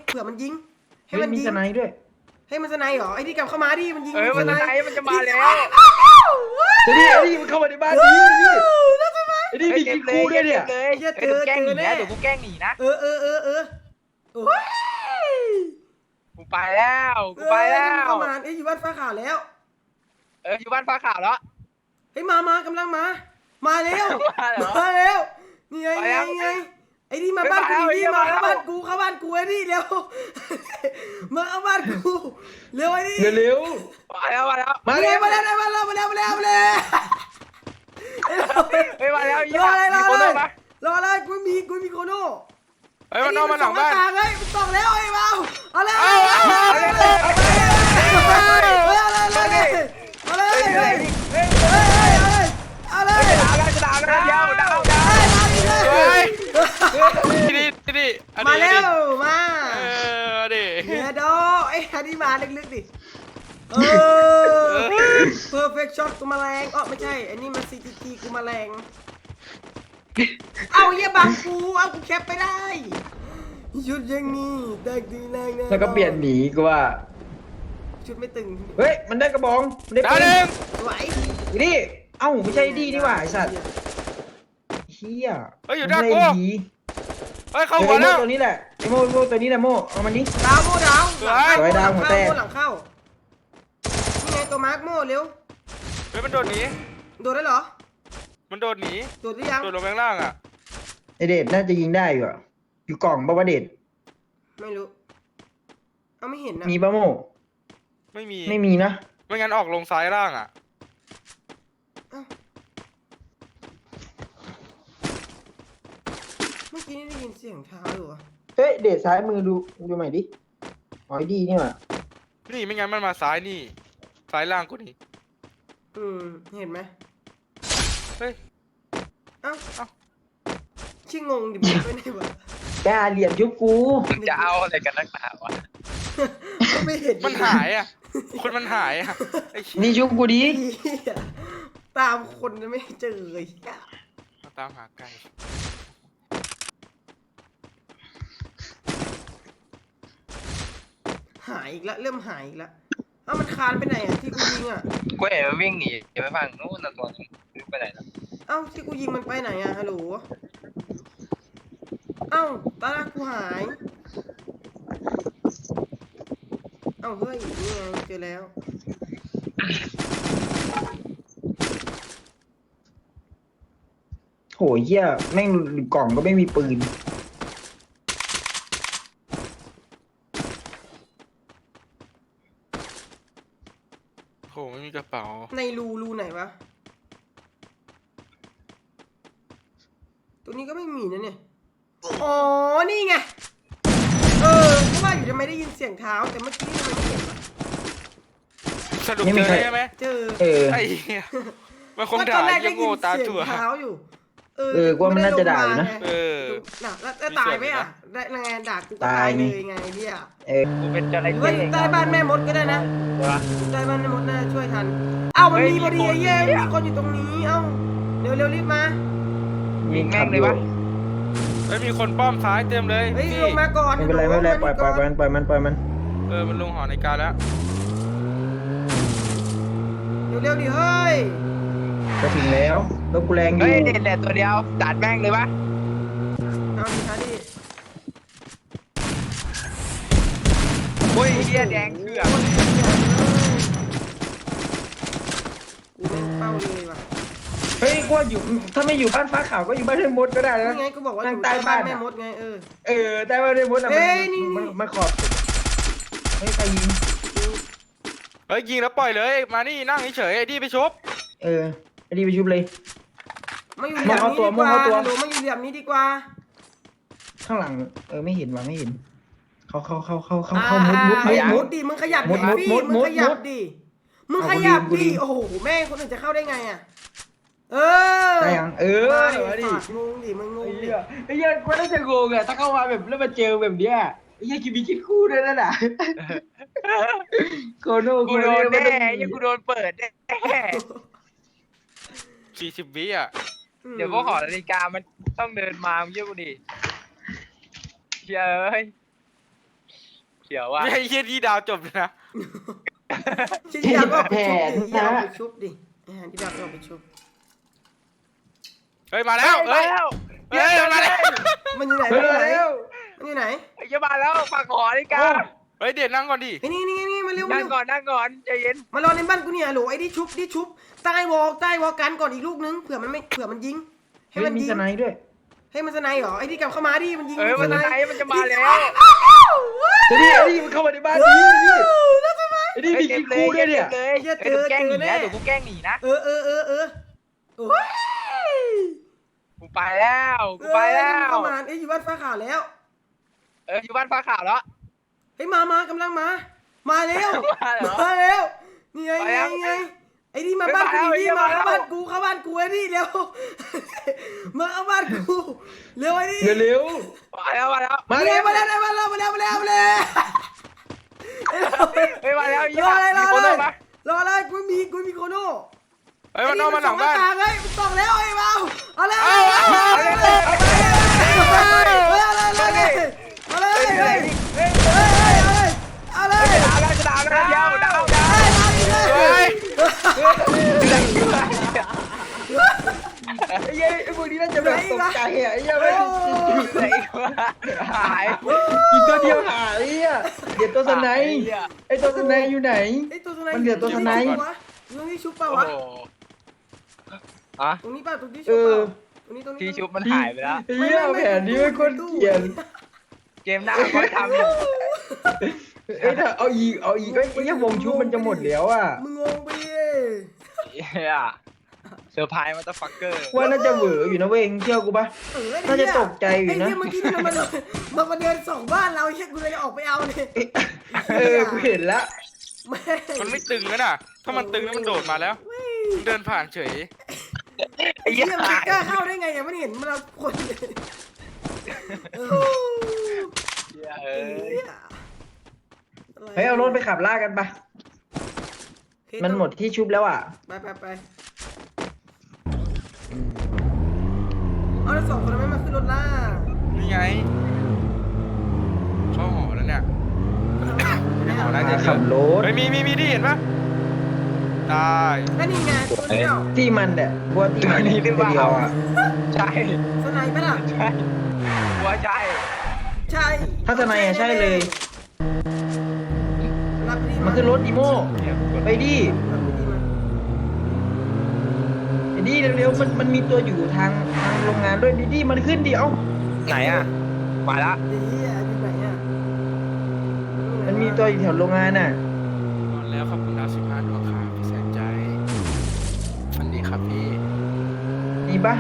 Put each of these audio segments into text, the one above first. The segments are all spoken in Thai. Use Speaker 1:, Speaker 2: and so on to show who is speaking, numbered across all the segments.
Speaker 1: เผื่อมันยิงให้
Speaker 2: เฮ้ย
Speaker 1: มัน
Speaker 2: มี
Speaker 1: ยิง
Speaker 2: สไนด์ด้วย
Speaker 1: ให้มันสไนเหรอไอ้ที่กลับเข้ามาดิมันยิง
Speaker 3: มัน
Speaker 1: ส
Speaker 3: จะ
Speaker 1: ไน
Speaker 3: ไหนมันจะมาแล้ว
Speaker 2: ไอ้นี่มันเข้ามาในบ้านนี้ไอ้นี่มีคลิปคู่ด้วยเนี่ย
Speaker 3: เลยเดี๋ยวกูแกล้งหนีนะเดี๋ยวกูแกล้งหนีนะ
Speaker 1: เออโอ้ย
Speaker 3: กูไปแล้วกูไปแล้ว
Speaker 1: เข้ามาอยู่บ้านฟ้าขาวแล้ว
Speaker 3: อยู่บ้านฟ้าขาวแล้ว
Speaker 1: เฮ้ยมากำลังมาแล้ว
Speaker 3: มาเหรอ
Speaker 1: มาแล้วนี่ไงไอ้นี่มาบ้านกูนี่มาเข้าบ้านกูไอ้นี่เร็วมาเข้าบ้านกูเร็วไอ้นี่
Speaker 2: เร็ว
Speaker 3: มาแล้ว
Speaker 1: มาแล้วเฮ้ยมาแล้ว
Speaker 3: มาแล้วมีคนเลยปะ
Speaker 1: รอเลยกูมีโคโน่
Speaker 3: มันนอกมาหลังบ้าน
Speaker 1: เฮ้ยมันส่องแล้วไอ้เบาเอาเลย
Speaker 3: เอาจะด่าแล้วเดียวด่าดิ
Speaker 1: มาแล้วมา
Speaker 3: ดิ
Speaker 1: เฮียโดไอ้ฮันนี่มาลึกๆดิperfect shot กูมาแรงไม่ใช่อันนี้มัน CTT กูมาแรงเอาเฮียบังกูเอากูแคปไปได้ชุดอย่างนี้ได้ดีแรงแน่
Speaker 2: แล้วก็เปลี่ยนหนีกูว่า
Speaker 1: ชุดไม่ตึง
Speaker 2: เฮ้ยมันได้กระบองมันได้
Speaker 3: ด่า
Speaker 2: ปื
Speaker 3: หนึ่ง
Speaker 1: สวย
Speaker 2: นี่เอ้าไม่ใช่ดีนี่หว่าไอ้สัตว์เฮีย
Speaker 3: อยู่ด้านกูเข้า
Speaker 2: ไอ้
Speaker 3: หัวแล้ว
Speaker 2: ตัวนี้แหละไอ้โม่ตัวนี้แหละโม่เอามันนี้
Speaker 1: ดาวโม่ดาว
Speaker 2: สวยดาวหัวแตก
Speaker 1: หลังเข้านี่ไงตัวมาร์กโม่เร็ว
Speaker 3: มันโดดหนี
Speaker 1: โดดได้เหรอ
Speaker 3: มันโดดหนี
Speaker 1: โดดหรือยัง
Speaker 3: โดดลงข้างล่างอ่ะ
Speaker 2: ไอเดชน่าจะยิงได้อยู่อะอยู่กล่องป่าวะเดช
Speaker 1: ไม่รู้เอาไม่เห็นนะ
Speaker 2: มีป่ะโม่
Speaker 3: ไม่มี
Speaker 2: ไม่มีนะ
Speaker 3: ไม่งั้นออกลงซ้ายล่างอ่ะ
Speaker 1: เมื่อกี้นี่ได้ยินเสียงเท้าอยู่อะ
Speaker 2: เฮ้ยเดชซ้ายมือดูใหม่ดิอ๋อไอ้ดีนี่หว่า
Speaker 3: นี่ไม่งั้นมันมาซ้ายนี่ซ้ายล่างกูนี่
Speaker 1: เห็นไหม
Speaker 3: เฮ้ย
Speaker 1: เอ้าชิ่งงดิมันไปไหนวะ
Speaker 2: กล้าเหลี่ยมยุบกู
Speaker 3: จะเอาอะไรกันนักหนาวะ
Speaker 1: ไม่เห็น
Speaker 3: มันหายอ่ะคนมันหายอ่ะไอ้เหี้ย
Speaker 2: นี่ยุบกูดิ
Speaker 1: เหี้ยตามคนไม่เจอเลยเหี้ย
Speaker 3: มาตามหาไก่
Speaker 1: หายอีกแล้วเริ่มหายอีกแล้วเอ้ามันคานไปไหนอ่ะที่กูยิงอ่ะ
Speaker 3: กูเห็นมันวิ่งหนีไปฝั่งนู้นนะตัวนึงไปไหนแล้ว
Speaker 1: เอ้าที่กูยิงมันไปไหนอ่ะฮัลโหลเอ้าตาลากูหายเอ้าเฮ้ยนี่ไงเจอแล้ว
Speaker 2: โหเหี้ยแม่งกล่องก็ไม่มีปืน
Speaker 3: โหไม่มีกระเป๋า
Speaker 1: ในรูไหนวะตัวนี้ก็ไม่มีนะเนี่ยอ๋อนี่ไงก็ว่าอยู่ทำไมได้ยินเสียงเท้าแต่เมื่อกี้ทำไมไม่เห็นวะ
Speaker 3: สรุปเจอใช่ไหม
Speaker 1: เจอ
Speaker 3: ไอ้เหี้ยมันคงด่ายังโง่ตาถั่ว
Speaker 1: เท้าอยู่
Speaker 2: กูว่ามันน่าจะด่าอยู่นะ
Speaker 1: น่ะแล้วตายไหมอ่ะได้ไงด่ากูก็ตายเลยไงพี่อ่ะ
Speaker 3: กูเป็นจระ
Speaker 1: เฮ้
Speaker 3: เข้
Speaker 1: ยใต้บ้านแม่มดก็ได้นะใต้บ้านแม่มดน่าช่วยทันเอ้ามันมีพอดีไอ้เย้มีคนอยู่ตรงนี้เอ้าเร็วรีบมา
Speaker 2: ยิงแม่งเลยวะ
Speaker 3: ไม่มีคนป้อมซ้ายเต็มเลย
Speaker 1: เฮ้ยลงมาก่อน
Speaker 2: ไม่เป็นไรปล่อยมัน
Speaker 3: มันลงหอในการแล้ว
Speaker 1: เร็วดิเฮ้ย
Speaker 2: จะถึงแล้วรถกูแรงอยู่
Speaker 3: เฮ้ยเด็ดตัวเดียวจัดแม่งเลยปะ
Speaker 1: เอาดิคะดิ
Speaker 3: โอ้ยเหี้ยแดงเถื่อน
Speaker 1: กูไม่เป้าเลยว่ะ
Speaker 2: เฮ้ยกูว่าอยู่ถ้าไม่อยู่บ้านฟ้าขาวก็อยู่บ้านเทมมดก็ได้นะ
Speaker 1: นี่ไงกูบอกว่าอยู่ใต้บ้านแม่มดไง
Speaker 2: ใต้บ้านเทมมดอะ
Speaker 1: เฮ้ยนี่
Speaker 2: มันขอบเฮ้ยใครยิง
Speaker 3: เฮ้ยยิงแล้วปล่อยเลยมานี่นั่งเฉยไอ้ดีไปชบ
Speaker 2: ไอ้ดีไปชุบเลย
Speaker 1: มาอยู่เหลี่ยมนี้ดีกว่าหนูมาอยู่เหลี่ยมนี้ดีกว่า
Speaker 2: ข้างหลังไม่เห็นว่ะไม่เห็นเขา
Speaker 1: มุดดิมึงขยับดิพี่มึงขยับดิมึงขยับดิโอ้โหแม่คนอื่นจะเข้าได้ไงอ่ะ
Speaker 2: ได้ยัง
Speaker 1: มาดิงงดิมึงงงดิ
Speaker 2: ไอ้เหี้ยกูน่าจะงงอะถ้าเข้ามาแบบแล้วมาเจอแบบเนี้ยไอ้เหี้ยกินมีคิดคู่ด้วยนั่นน่ะโคโน่
Speaker 3: กูโดนแน่ยังกูโดนเปิดแน่40 วิอ่ะเดี๋ยวพวกหอนาฬิกามันต้องเดินมาเยอะกูดิเฮ้ย
Speaker 4: เขียวว่ะ
Speaker 3: ไม่ใช่เฮียที่ดาวจบเลยนะ
Speaker 1: ชิ้นดาวก็เอาไปชุบดิอย่าเอาไปชุบดิที่ดาวก็เอาไปชุบ
Speaker 3: เฮ้ยมาแล้วเฮ้ยเฮ้ยมาแล้ว
Speaker 1: มันอยู่ไหน
Speaker 2: เฮ้ยเร็ว
Speaker 1: มันอยู่ไหน
Speaker 4: ไอ้เหี้ยมาแล้วฝั่งหอนี่กา
Speaker 3: เฮ้ยเดี๋ยวนั่งก่อนดิ
Speaker 1: ไอ้นี่มาเร็วมา
Speaker 4: นั่ง
Speaker 1: เร็ว
Speaker 4: ก่อนนั่งก่อนใจเย็น
Speaker 1: มารอในบ้านกูเนี่ยโหลไอ้ดิชุบใต้วอลกันก่อนอีกลูกนึงเผื่อมันยิงให้
Speaker 2: เฮ้ย
Speaker 1: มัน
Speaker 2: มี
Speaker 1: ยิง
Speaker 2: สไนด์ด้วย
Speaker 1: ให้มันสไนเหรอไอ้ที่กลับเข้ามาดิมันยิง
Speaker 4: มันจะไหนมันจะมาแล้ว
Speaker 2: ไอ้นี่มันเข้ามาในบ้านนี้ไอ้นี่มีกินคู่ด้วยเนี่ย
Speaker 4: เลยเดี๋ยวแกล้งหนีนะเดี๋ยวกูแกล้งหนีนะ
Speaker 1: เออโอ้ย
Speaker 4: กูไปแล้วกูไปแล้ว
Speaker 1: เข้ามาไอ้อยู่บ้านฟ้าขาวแล้ว
Speaker 4: อยู่บ้านฟ้าขาวแล้ว
Speaker 1: เฮ้ยมากำลังมาเร็ว
Speaker 4: มาเหรอ
Speaker 1: มาเร็วนี่ไง
Speaker 4: ไปแล้ว
Speaker 1: ไอ้นี่มาบ้านกูดิมาเข้าบ้านกูไอ้นี่เร็วมาเข้าบ้านกูเร็วไอ้นี่
Speaker 2: เร็ว
Speaker 4: มาแล้ว
Speaker 1: มาแล้วเฮ้ยมาแล้ว
Speaker 4: ยี่ห้อมีคนมา
Speaker 1: รอเลยกูมีโคโน่
Speaker 3: เฮ้ยมันนอกมาหลังบ้าน
Speaker 1: เฮ้ยมันส่องแล้วไอ้เบาเอาเลย
Speaker 3: เอาเลย
Speaker 1: เอาเลย
Speaker 4: จะด่าแล้วเดียวด่า
Speaker 3: เฮ้ย
Speaker 2: ไอ้เหี้ยไอ้พวกนี้น่าจะแบบตกใจอ่ะไอ้เหี้ยไม่
Speaker 4: หาย
Speaker 2: กินตัวเดียวหายไอ้เหี้ยเดี๋ยวตัวสไนด์ไอ้ตัวสไนด์อยู่ไหน มันเหลือตัวสไนด์
Speaker 1: ตรงนี้ชุบเป
Speaker 4: โอ้
Speaker 1: ล่าวะ
Speaker 4: โหอะ
Speaker 1: ตรงนี้ป่ะตรงที่ชุบเปล่าตรงนี้
Speaker 4: ที่ชุบมันหายไปแล้ว
Speaker 2: ไอ้เหี้ยแผนนี้ไม่คนเกลียด
Speaker 4: เกมหน้าก็ทำอยู่
Speaker 2: เอ้ยถ้าเอาอีกไอ้เหี้ยวงชุบมันจะหมดแล้วอ่ะ
Speaker 1: มึงงงไปดิ
Speaker 4: เซอร์ไพรส์มาตฟักเกอร์
Speaker 2: ว่าน่าจะเหวออยู่นะเว้ยเชื่อกูปะ น่าจะตกใจอยู่นะ
Speaker 1: ไอ้เมื่อกี้มันมาเดินส่องบ้านเราเช็คกูเลยออกไปเอาเลย
Speaker 2: กูเห็นแล้ว
Speaker 1: แม่
Speaker 3: มันไม่ตึงแล้วน่ะ ถ้ามันตึงแล้วมันโดดมาแล้วเดินผ่านเฉย
Speaker 4: ไอ้
Speaker 1: เหี้
Speaker 4: เหี้
Speaker 1: ย
Speaker 4: ย
Speaker 1: มัน
Speaker 4: หาย
Speaker 1: กล้าเข้าได้ไงเนี่ยมันเห็นมันเราคนเลย
Speaker 2: เฮ้ยเอารถไปขับล่ากันปะมันหมดที่ชุบแล้วอ่ะ
Speaker 1: ไปเอาแล้วสองคนไม่มาขึ้นรถล่า
Speaker 3: นี่ไงเข้าหอแล้วเนี่ยหอน่าจะ
Speaker 2: ขับรถ
Speaker 3: เฮ้ยมีดิเห็นปะได้
Speaker 1: ก็นี่ไงตัวเดียว
Speaker 2: ที่มันเนี่ยพวกที่มันตัวเดียวอ่ะ
Speaker 4: ใช่
Speaker 1: สไนป์ปะล่ะ
Speaker 4: ใช่หัวใช่
Speaker 1: ใช่
Speaker 2: ถ้าสไนอ่ะใช่เลย
Speaker 1: รับดี
Speaker 2: มันคือรถอีโม่ไปดิไอ้ดิเร็วๆมันมีตัวอยู่ทางโรงงานด้วยดิมันขึ้นดิเอ้า
Speaker 4: ไหนอ่ะมาละ
Speaker 1: เฮียอยู่ไหนอ่ะ
Speaker 2: มันมีตัวอยู่แถวโรงงานน่ะ
Speaker 3: นอนแล้วขอบคุณดาว15ดวงครับพี่แสนใจฝันดีครับพี่
Speaker 2: มีปะ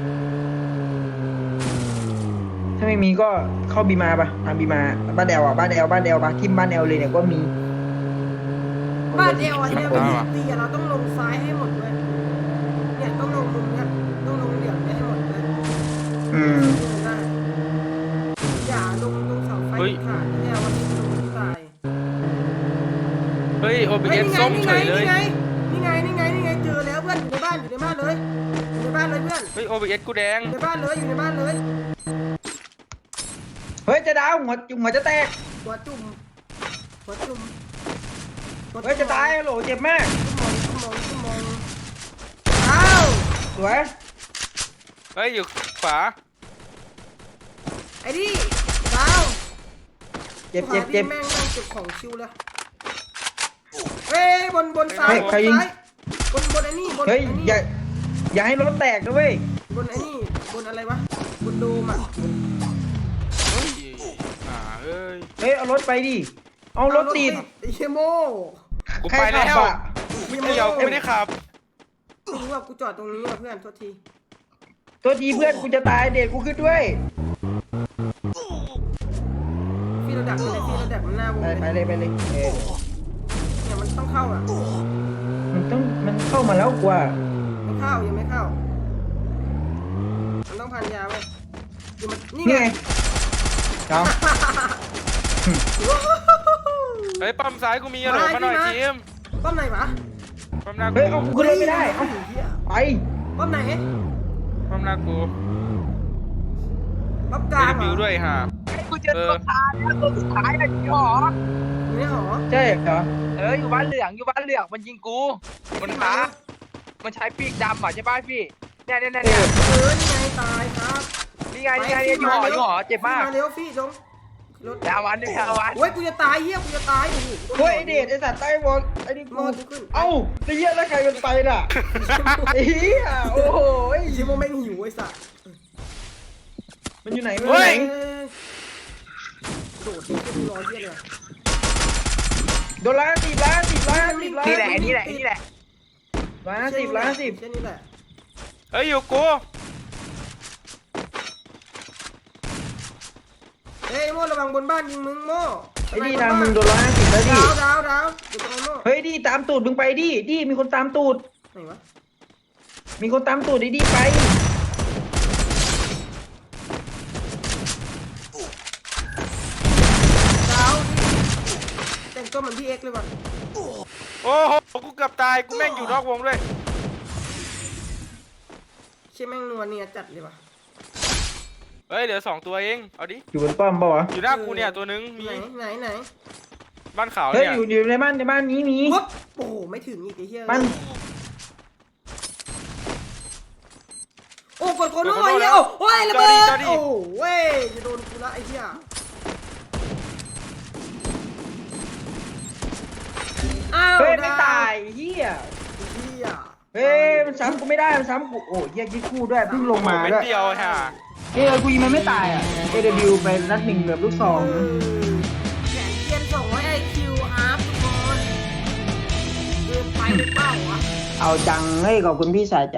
Speaker 2: ถ้าไม่มีก็เข้าบีมาปะทางบีมาบ้านแอลอ่ะบ้านแอลปะทิมบ้านแอลเลยเนี่ยก็มี
Speaker 1: บ้านเอวเนี่ยมันตีเราต้องลงซ้ายให้หมดเลยเนี่ยต้องลงมุมเนี่ยต้องลงเหลี่ยมให้หมดเลย
Speaker 2: อืม
Speaker 1: อย่าลงตรงเสาไฟขาดเนี่ยวันนี้ลงตาย
Speaker 3: เฮ้ยโอเบเอสส้มเฉยเลย
Speaker 1: นี่ไงเจอแล้วเพื่อนอยู่ในบ้านเลยอยู่ในบ้านเลยเพื่อน
Speaker 3: เฮ้ยโอเบเอสกูแดง
Speaker 1: อยู่ในบ้านเลยอยู่ในบ้านเลย
Speaker 2: เฮ้ยจะดาวหัวจะแตก
Speaker 1: หัวจุ่ม
Speaker 2: เฮ้ยจะตายโหลเจ็บมาก
Speaker 1: ชั่วโมงอ้าว
Speaker 2: สวย
Speaker 3: เฮ้ยอยู่ขวา
Speaker 1: ไอ้ดิดาว
Speaker 2: เจ็บ
Speaker 1: แม่งเก็บของชิวเลยเฮ้ยบนซ้ายบนไอ้นี่บน
Speaker 2: เฮ้ยอย่าให้รถแตกนะเว้ย
Speaker 1: บนไอ้นี่บนอะไรวะบนโดมอ่ะ
Speaker 3: เฮ้ยเอ้ย
Speaker 2: เฮ้ยเอารถไปดิเอารถติด
Speaker 1: ไอ้เชโม
Speaker 3: กูไปแล้ว
Speaker 2: ใครขับอะ
Speaker 3: ไม่เกี่ยวกูไม่ได้ขับ
Speaker 1: ไม่รู้ว่ากูจอดตรงนี้ว่ะเพื่อนโทษที
Speaker 2: ตัวทีเพื่อนกูจะตายเด็กกูขึ้นด้วย
Speaker 1: พี่เราดักมันหน้าวง
Speaker 2: ไปเลย
Speaker 1: เนี่ยมันต้องเข้าอ่ะ
Speaker 2: มันเข้ามาแล้วกว่า
Speaker 1: ไม่เข้ายังไม่เข้ามันต้องพันยาเว้ยนี่มันนี่
Speaker 2: นี่
Speaker 1: ไง
Speaker 2: ไงเอา
Speaker 3: เฮ้ยปั๊มซ้ายกูมีอะโหลมาหน่อยทีม
Speaker 1: ป้อมไหนวะ
Speaker 3: ปั๊มหน้ากู
Speaker 2: เฮ้ยเอากูขึ้นรถไม่ได้เอาไป
Speaker 1: ป้อมไหน
Speaker 3: ปั๊มหน้ากู
Speaker 1: ป้อมก
Speaker 3: เอ
Speaker 1: ลาง
Speaker 3: วิวด้วยฮะ
Speaker 4: กูเจอตัวตายแล้วตัวสุดท้ายอะจริงเหรอ
Speaker 1: อยู่ในหอ
Speaker 2: ใช่เหรอ
Speaker 4: อยู่บ้านเหลืองอยู่บ้านเหลืองมันยิงกูมันหามันใช้ปีกดำอ่ะใช่ป่ะพี่เนี่ย
Speaker 1: นี่ไงตายครับ
Speaker 4: นี่ไงอยู่หอเจ็บมาก
Speaker 1: มาเร็วฟี่จงรถ
Speaker 4: ดาวันเนี่ยดาวัน
Speaker 1: โอ้ยกูจะตายเฮียกูจะตายโอ้โห
Speaker 2: เฮ้ยไอเดชไอสัตว์ใต้บอลไอ้นี่
Speaker 1: มอ
Speaker 2: กู
Speaker 1: กูขึ้น
Speaker 2: เอ้าไอ้เหี้ยแล้วใครเป็นไฟน่ะไอ้เหี้ยโอ้โห
Speaker 1: ชิโมแม่งหิวไอ้สัส
Speaker 2: มันอยู่ไหนมันอ
Speaker 3: เฮ้
Speaker 2: ยู่ไห
Speaker 3: ย
Speaker 2: น
Speaker 1: โดดดิขึ้นรอเฮียเลย
Speaker 2: โดนล้านสิบล้าน
Speaker 4: นี่แหละนี่แหละนี่แหละ
Speaker 2: ล้านสิบ
Speaker 1: แค่นี้แหละ
Speaker 3: เฮ้ยอยู่กู
Speaker 1: เฮ้ยโม่ระวังบนบ้านยิงมึงโม่
Speaker 2: ไอ้นี่นะมึงโดน150แล้วดิ
Speaker 1: ดาวเดี๋ยวตรงโม่
Speaker 2: เฮ้ยดิตามตูดมึงไปดิมีคนตามตูด
Speaker 1: ไหนวะ
Speaker 2: มีคนตามตูดดิไป
Speaker 1: ดาวแต่งตัวเหมือนพี่เอ็กเลยว่ะ
Speaker 3: โอ้โหกูเกือบตายกูแม่งอยู่นอกวงด้วย
Speaker 1: เชี่ยแม่งนัวเนี่ยจัดเลยว่ะ
Speaker 3: เฮ้ยเหลือ2ตัวเองเอาดิ
Speaker 2: อยู่บนป้อมเปล่าวะ
Speaker 3: อยู่หน้ากูเนี่ยตัวนึงมี
Speaker 1: ไหน
Speaker 3: บ้านขาว
Speaker 2: เฮ้ย
Speaker 3: เนี่ย
Speaker 2: อยู่ในบ้านนี้มี
Speaker 1: ปุ๊บโอ้โหไม่ถึงอีกไอ้เหี้ย
Speaker 2: มัน
Speaker 1: โอ้กดโคโน่ไอ้เหี้ยโอ้ยระเบิดโอ้เว้ยจะโดนกูละไอ้เหี้ยอ้าว
Speaker 2: เฮ้ยไม่ตายเหี้ย
Speaker 1: เหี้ย
Speaker 2: เฮ้ยมันซ้ำกูไม่ได้มันซ้ำกูโอ้ยเหี้ยยิงคู่ด้วยเพิ่งลงมา
Speaker 3: เม็ด
Speaker 2: ด้วย
Speaker 3: เดียวฮะ
Speaker 2: เฮ้ยกูยิงมันไม่ตายอ่ะ AW ไปนัดหนึ่งเหลือลูกซอง
Speaker 1: แขนเทียน200 IQ อัพทุกคนเกินไปหรือเปล่าวะ
Speaker 2: เอาจังเฮ้ยขอบคุณพี่สายใจ